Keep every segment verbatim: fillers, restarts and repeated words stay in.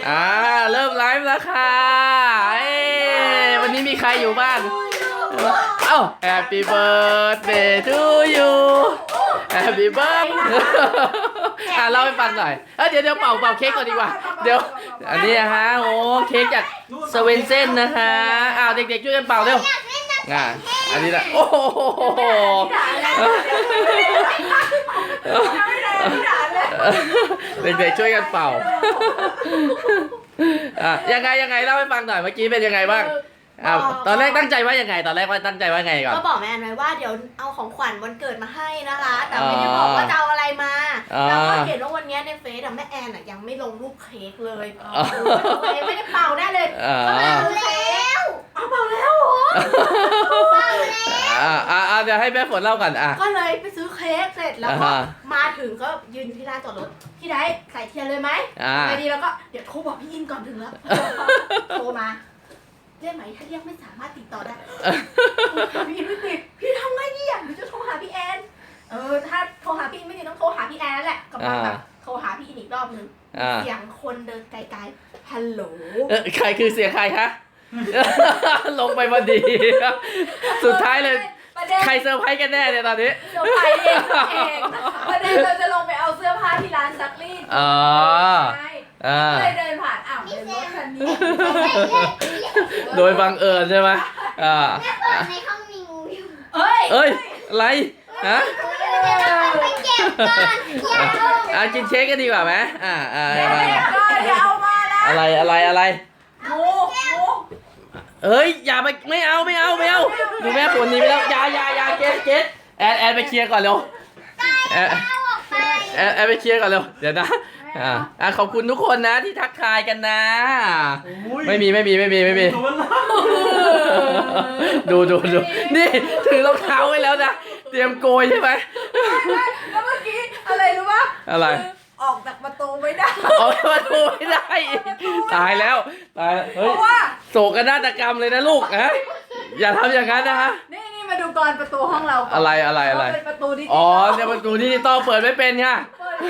อ่าเริ่มไลฟ์แล้วค่ะเอ้วันนี้มีใครอยู่บ้างเอ้า Happy birthday to you Happy birthday อ่ะเล่าให้ฟังหน่อยเอ้ยเดี๋ยวเดี๋ยวเป่าเป่าเค้กก่อนดีกว่าเดี๋ยวอันนี้นะฮะโอ้เค้กจากสเวนเซ่นนะคะอ้าวเด็กๆช่วยกันเป่าเร็วอ่ะอันนี้แหละโอ้โหเด็กๆช่วยกันเป่าอ่ะยังไงยังไงเล่าให้ฟังหน่อยเมื่อกี้เป็นยังไงบ้างอ่าตอนแรกตั้งใจว่ายังไงตอนแรกว่าตั้งใจว่าไงก่อนก็บอกแม่แอนไว้ว่าเดี๋ยวเอาของขวัญวันเกิดมาให้นะคะแต่ไม่ได้บอกว่าจะเอาอะไรมาแล้วก็เห็นว่าวันนี้ในเฟซแม่แอนยังไม่ลงรูปเค้กเลยไม่ได้เป่าได้เลยก็เป่าแล้วเอาเป่าแล้วเหรอเป่าแล้วอ่าอ่าเดี๋ยวให้แม่ฝนเล่าก่อนอ่ะก็เลยไปซื้อเค้กเสร็จแล้วก็มาถึงก็ยืนที่ลานจอดรถพี่ได้ใส่เทียนเลยไหมไงดีแล้วก็เดี๋ยวโทรบอกพี่อินก่อนถึงแล้วโทรมาได้ไหมถ้าเรียกไม่สามารถติดต่อได้พี่ไม่ติดพี่ทำไงดีอ่ะหรือจะโทรหาพี่แอนเออถ้าโทรหาพี่ไม่ติดต้องโทรหาพี่แอนนั่นแหละกำลังแบบโทรหาพี่อินอีกรอบนึงเสียงคนเดินไกลๆฮัลโหลใครคือเสียงใครคะลงไปพอดีสุดท้ายเลยใครเซอร์ไพรส์กันแน่เนี่ยตอนนี้เซอร์ไพรส์เองเองประเด็นเราจะลงไปเอาเสื้อผ้าที่ร้านซักรีดอ๋อเลยเดินผ่านอ้าวเดินรถคันนี้โดยบังเอิญใช่ไหมอ่าแม่เปิดในห้องมีงูอยู่เอ้ยเอ้ยอะไรฮะไปเก็บก่อนอย่าเอาอ่ะกินเค้กกันดีกว่าไหมอ่าอ่าอย่าเอามานะอะไรอะไรอะไรงูงูเอ้ยอย่าไปไม่เอาไม่เอาไม่เอาดูแม่ฝนนี้ไปแล้วอย่าอย่าอย่าเกตเกตแอนแอนไปเคลียร์ก่อนเร็วแอนแอนแอนไปเคลียร์ก่อนเร็วเดี๋ยวนะอ่าอ่ะขอบคุณทุกคนนะที่ทักทายกันนะไม่มีไม่มีไม่มีไม่มีดูดูดูนี่ถือรองเท้าไว้แล้วนะเตรียมโกยใช่ไหมแล้วเมื่อกี้อะไรรู้ปะอะไรออกจากประตูไม่ได้ออกจากประตูไม่ได้ตายแล้วตายเฮ้ยโศกนาฏกรรมเลยนะลูกฮะอย่าทำอย่างนั้นนะฮะนี่นี่มาดูก่อนประตูห้องเราอะไรอะไรอะไรเป็นประตูดิจิตอลอ๋อเนี่ยประตูดิจิตอลเปิดไม่เป็นค่ะ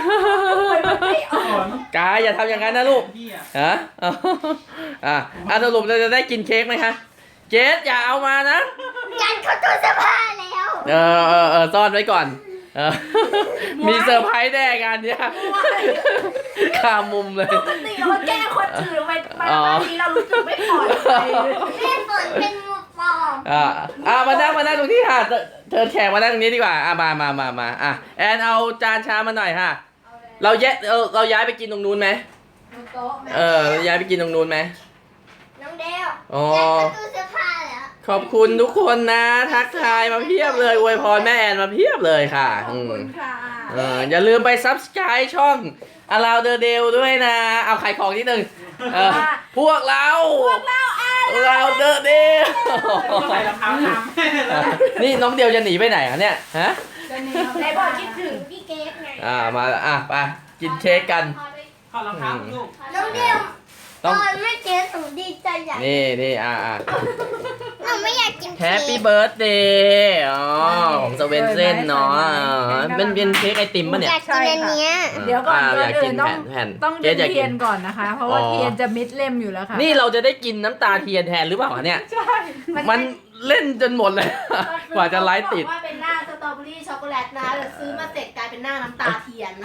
กายอย่าทำอย่างนั้นนะลูกฮะอ่ะอ่ะสรุปเราจะได้กินเค้กไหมคะเจสอย่าเอามานะยันเขาตู้เสื้อผ้าแล้วเออเออเออซ่อนไว้ก่อนเออมีเซอร์ไพรส์แน่งานเนี้ยข้ามมุมเลยปกติเราแก้คนอื่นไปมาบ้านนี้เรารู้สึกไม่ปลอดภัยแม่ฝนเป็นงูปลอมอ่าอ่ามานั่งมานั่งตรงที่ค่ะเธอแขกมานั่งตรงนี้ดีกว่าอ่ะมามามามาอ่ะแอนเอาจานชามมาหน่อยค่ะเราแยกเราเราย้ายไปกินตรงนู้นไหมเออย้ายไปกินตรงนู้นไหมน้องเดวอ๋อตู้เสื้อผ้าแล้วขอบคุณทุกคนนะทักทายมาเพียบเลยอวยพรแม่แอนมาเพียบเลยค่ะขอบคุณค่ะเอออย่าลืมไป ซับสไครบ์ ช่อง Around the Dale ด้วยนะเอาขายของนิดนึงเออพวกเราพวกเรา Around the Dale ใส่รองเท้าทำนี่น้องเดียวจะหนีไปไหนอ่ะเนี่ยฮะจะหนีไหนบอกคิดถึงพี่เกดไงอ่ามาอ่ะไปกินเค้กกันขอรองเท้าลูกน้องเดียวตอนไม่เกดหนูดีใจใหญ่นี่นี่อ่าอ่าหนูไม่อยากกินแฮปปี้เบิร์ดเดย์อ๋อของสเวนเซ่นเนาะเป็นเป็นเค้กไอติมป่ะเนี่ยอยากกินอันเนี้ยเดี๋ยวก่อนอยากกินต้องแผ่นต้องเทียนก่อนนะคะเพราะว่าเทียนจะมิดเล่มอยู่แล้วค่ะนี่เราจะได้กินน้ำตาเทียนแทนหรือเปล่าเนี่ยใช่มันเล่นจนหมดเลยกว่าจะไลฟ์ติดว่าเป็นหน้าสตรอเบอรี่ช็อกโกแลตนะแต่ซื้อมาเสร็จกลายเป็นหน้าน้ำตาเทียน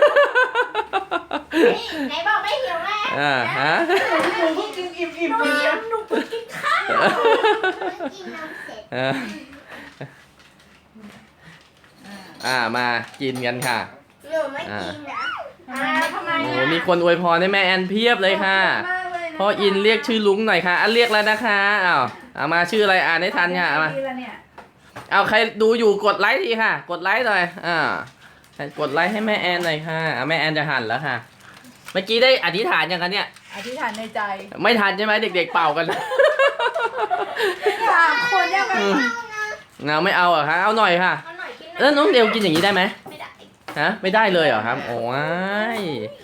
ไหนบอกไม่หิวแม่อ่าฮะหนูกินอิ่มอิ่มอิ่มหนูกินข้าวกินน้ำเสร็จอ่ามากินกันค่ะหนูไม่กินนะอ่าทำไมโอ้มีคนอวยพรให้แม่แอนเพียบเลยค่ะพ่ออินเรียกชื่อลุงหน่อยค่ะอ่ะเรียกแล้วนะคะอ้าวเอามาชื่ออะไรอ่านให้ทันค่ะมาเอาใครดูอยู่กดไลค์ทีค่ะกดไลค์หน่อยอ่ากดไลค์ให้แม่แอนหน่อยค่ะแม่แอนจะหันแล้วค่ะเมื่อกี้ได้อธิษฐานยังคะเนี่ยอธิษฐานในใจไม่ทันใช่ไหมเด็กๆเป่ากันสามคนยังไงเอาไม่เอาเหรอคะเอาหน่อยค่ะแล้วน้องเดวกินอย่างนี้ได้ไหมไม่ได้ฮะไม่ได้เลยเหรอครับโอ้ย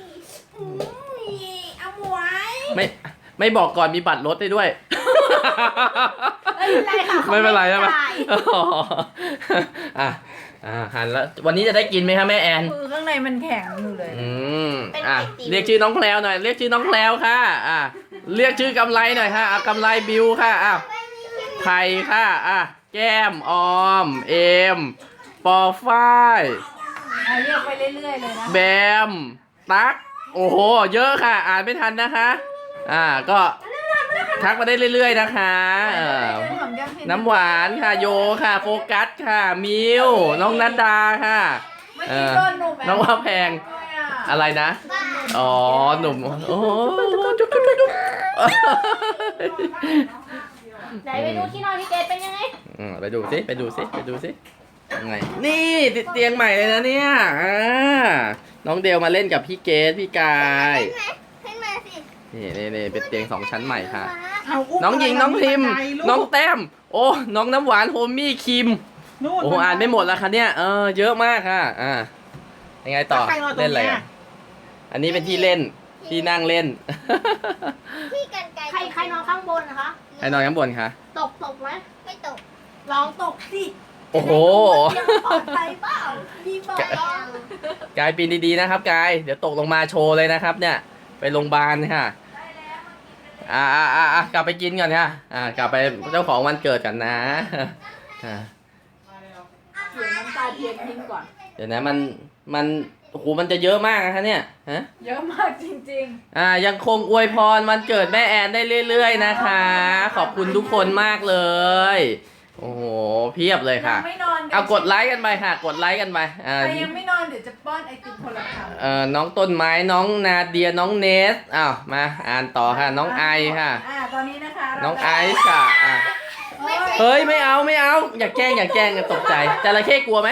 เอาหมวยไม่ไม่บอกก่อนมีบัตรรถได้ด้วยไม่เป็นไรค่ะไม่เป็นไรใช่ไหมอ่ะอ่าหั่นแล้ววันนี้จะได้กินไหมคะแม่แอนคือข้างในมันแข็งอยู่เลยอืมอ่ะเรียกชื่อน้องแพลวหน่อยเรียกชื่อน้องแพลวค่ะอ่ะเรียกชื่อกำไรหน่อยค่ะอ่ะกำไรบิวค่ะอ่ะไผ่ค่ะอ่ะแก้มออมเอมปอฝ้ายเอาเรียกไปเรื่อยๆเลยนะแบมตั๊กโอ้โหเยอะค่ะ อ่านไม่ทันนะคะอ่าก็ทักมาได้เรื่อยๆนะคะเออหอมแก้มเพชรน้ำหวานค่ะโยค่ะโฟกัสค่ะมิวน้องนัดดาค่ะเมื่อเอกี้อโดนหนุ่มน้องว่าแพงด้วยอ่ะอะไรนะอ๋อหนุ่มโอ้โหจุ๊บจุ๊บจุ๊บจุ๊บไหนไปดูที่นอนพี่เกดเป็นยังไงอืมไปดูสิไปดูสิไปดูสิยังไงนี่ติดเตียงใหม่เลยนะเนี่ยอ่าน้องเดลมาเล่นกับพี่เกดพี่กายขึ้นมาสินี่นี่นี่เป็นเตียงสองชั้นใหม่ค่ะเอาอุ้มน้องหญิงน้องพิมพ์บัไดลูกน้องแต้มโอ้น้องน้ำหวานโฮมมี่คิมนู่นโอ้อ่านไม่หมดแล้วค่ะเนี่ยเออเยอะมากค่ะอ่ายังไงต่อใครนอนตรเล่นงอะไรเนี้กัยนอันนี้เป็นที่เล่นที่นั่งเล่นที่กันไกลใครใครนอนข้างบนนะคะให้นอนข้างบนค่ะตกตกไหมไม่ตกลองตกสิโอ้โหจะได้รู้ว่าเตียงปลอดภัยเปล่าดีเปล่ากายปีนดีๆนะครับกายเดี๋ยวตกลงมาโชว์เลยนะครับ เนี่ยไปโรงพยาบาลค่ะอ่าอ่าอ่าอ่ากลับไปกินก่อนค่ะอ่ากลับไปเจ้าของวันเกิดกันนะอ่าเขียนน้ำตาเทียนทิ้งก่อนเดี๋ยวนะมันมันโอ้โหมันจะเยอะมากนะคะเนี่ยฮะเยอะมากจริงอ่ายังคงอวยพรวันเกิดแม่แอนได้เรื่อยๆนะคะ ขอบคุณทุกคนมากเลย โอ้โหเพียบเลยๆค่ะยังไม่นอนเอากดไลค์กันไปค่ะ กดไลค์กันไปอ่าใครยังไม่นอนเดี๋ยวจะป้อนไอติมคนละคำเอ่อน้องต้นไม้น้องนาเดียน้องเนสอ้าวมาอ่านต่อค่ะ น้องไอค่ะอ่าตอนนี้นะคะเราน้องไอซ์ค่ะอ่ะเฮ้ยไม่เอาไม่เอา อย่าแกล้งอย่าแกล้งอย่าตกใจจระเข้กลัวไหม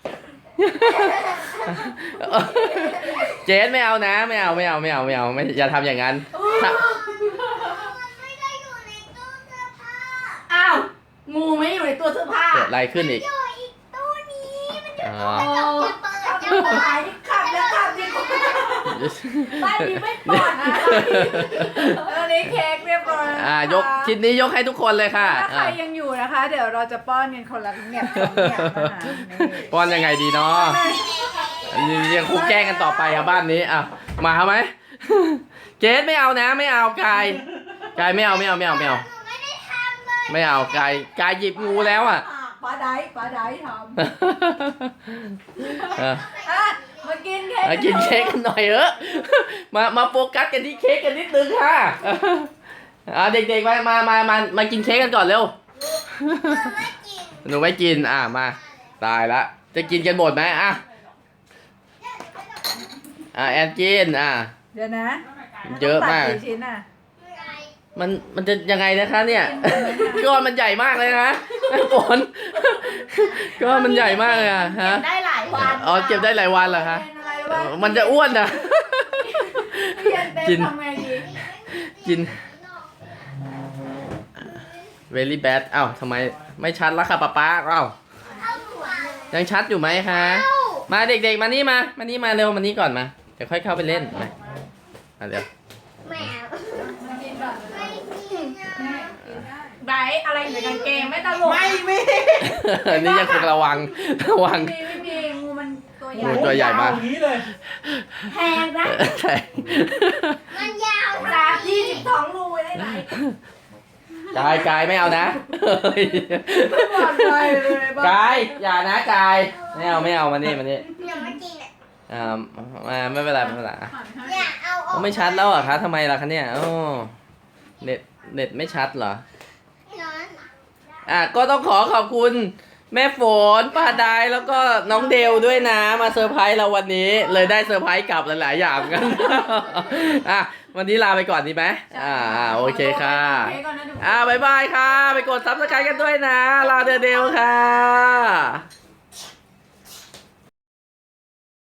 เจนไม่เอานะไม่เอาไม่เอาไม่เอาไม่เอาไม่อย่าทำอย่างนั้นถ้ามันไม่ได้อยู่ในตู้เสื้อผ้าอ้าว งูไม่อยู่ในตัวเสื้อผ้าเกิดอะไรขึ้นอีกอยู่อีกตู้นี้มันอยู่อ๋อตรงกระจกอย่าเปิดอย่าเปิดหายขับแล้วขับดิบ้านนี้ไม่ปลอดนะตอนนี้เค้กเรียบร้อยแล้วอ่านะคะยกชิ้นนี้ยกให้ทุกคนเลยค่ะถ้าใครอ่ะยังอยู่นะคะ เดี๋ยวเราจะป้อนกันคนละเนี่ยสองเนี่ยนะคะนี่ป้อนยังไงดีเนาะยังคุกแกล้งกันต่อไปครับบ้านนี้อ่ะมาไหม เจสไม่เอานะไม่เอากายกายไม่เอาไม่เอาไม่เอาไม่เอาหนูไม่ได้ทำเลยไม่เอากายกายหยิบงูแล้วอ่ะอ่ะปลาไดปลาไดทำเอออ่ะมากินเค้กมากินเค้กกันหน่อยเออมามาโฟกัสกันที่เค้กกันนิดนึงค่ะอ่าเด็กๆมามามามามากินเค้กกันก่อนเร็วหนูไม่กินหนูไม่กินอ่ะมาตายละจะกินกันหมดไหมอ่ะอ่ะแอนกินอ่ะเดี๋ยวนะเยอะมากตัดชิ้นอ่ะมันมันจะยังไงนะคะเนี่ย ก้อนมันใหญ่มากเลยนะฝนก้อนมันใหญ่มากเลยอะฮะเก็บได้หลายวันอ๋อเก็บได้หลายวันเหรอคะเป็นอะไรวะมันจะอ้วนนะเรียนเป็นกินทำไงดีกิน very bad อ้าวทำไมไม่ชัดแล้วค่ะป๊าป๊าอ้าวเอาหัวยังชัดอยู่ไหมคะ มาเด็กๆมานี่มามานี่มาเร็วมานี่ก่อนมาเดี๋ยวค่อยเข้าไปเล่นมามาเดี๋ยวแมวมากินก่อนไม่กินนะไบร์ทอะไรอยู่ในกางเกงไม่ตลกไม่มีนี่ยังคงระวังระวังไม่มีไม่มีงูมันตัวใหโอ้ญ่โหตัวใหญ่มากอย่างนี้เลยแพงนะใช่มันยาวสามยี่สิบสองรูได้ไหมกายกายไม่เอานะเฮ้ยไม่ปลอดภัยเลยบ้ากายอย่านะกายไม่เอาไม่เอามานี่มานี่หนูไม่กินอ่ะอ่ามาไม่เป็นไรไม่เป็นไรอ่ะอย่าเอาออโอ้กไม่ชัดแล้วเหรอคะทำไมล่ะคะเนี่ยโอ้เน็ตเน็ตไม่ชัดเหรอร้อนอ่ะก็ต้องขอขอบคุณแม่ฝนป้าดายแล้วก็น้องเดลด้วยนะมาเซอร์ไพรส์เราวันนี้เลยได้เซอร์ไพรส์กลับหลายๆอย่างกัน อ่ะวันนี้ลาไปก่อนดีไหมอ่าอ่าโอเคค่ะเค้กก่อนนะดูอ่าบายบายค่ะ ไปกดซับสไครต์กันด้วยนะ ลาเดลเดลค่ะ